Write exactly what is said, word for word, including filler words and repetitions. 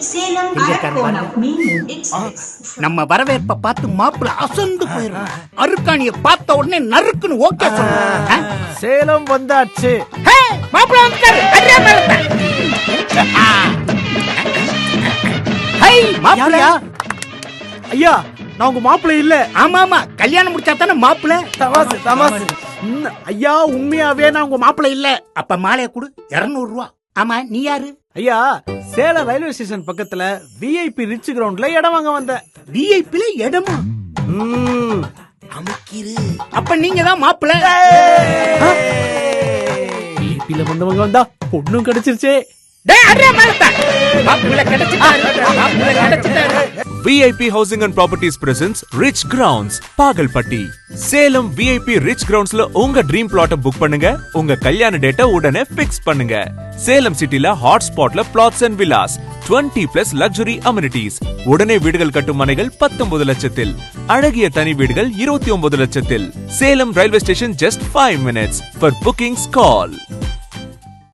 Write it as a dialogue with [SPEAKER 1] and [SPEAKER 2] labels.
[SPEAKER 1] நம்ம வரவேற்ப பார்த்து மாப்பிள்ள அசந்து போயிடும். அருக்காணிய பார்த்த உடனே நறுக்குன்னு ஓகே சொல்லுங்க.
[SPEAKER 2] சேலம் வந்தாச்சு.
[SPEAKER 1] மாப்பிள்ள வந்துட்டாரு.
[SPEAKER 2] ஐயா, நான் உங்க மாப்பிள்ளை இல்ல.
[SPEAKER 1] ஆமா ஆமா, கல்யாணம் முடிச்சா தானே மாப்பிள்ள.
[SPEAKER 2] தமாசு தமாசு. ஐயா, உண்மையாவே நான் உங்க மாப்பிள்ளை இல்ல.
[SPEAKER 1] அப்ப மாலைய கொடு, இருநூறு ரூபா. ஆமா, நீ யாரு?
[SPEAKER 2] ஐயா, சேலம் ரயில்வே ஸ்டேஷன் பக்கத்துல விஐபி ரிச் கிரவுண்ட்ல இடம் வாங்க வந்தேன்.
[SPEAKER 1] விஐபில இடமா? அமுக்கிரு. அப்ப நீங்க தான் மாப்பிள்ள.
[SPEAKER 2] விஐபில வந்தவங்க வந்தா பொண்ணும் கிடைச்சிருச்சே.
[SPEAKER 3] V I P Housing and Properties presents Rich Grounds, Pagalpatti. Salem V I P Rich Groundsல உங்க ட்ரீம் பிளாட்ட புக் பண்ணுங்க. உங்க கல்யாண டேட்டை உடனே ஃபிக்ஸ் பண்ணுங்க. சேலம் சிட்டில ஹாட் ஸ்பாட்ல பிளாட்ஸ் அண்ட் வில்லாஸ், இருபது பிளஸ் லக்ஸுரி அமெனிட்டிஸ். உடனே வீடுகள் கட்டும் மனைகள் பத்தொன்பது லட்சத்தில், அழகிய தனி வீடுகள் இருபத்தி ஒன்பது லட்சத்தில். Salem railway station just five minutes. For bookings call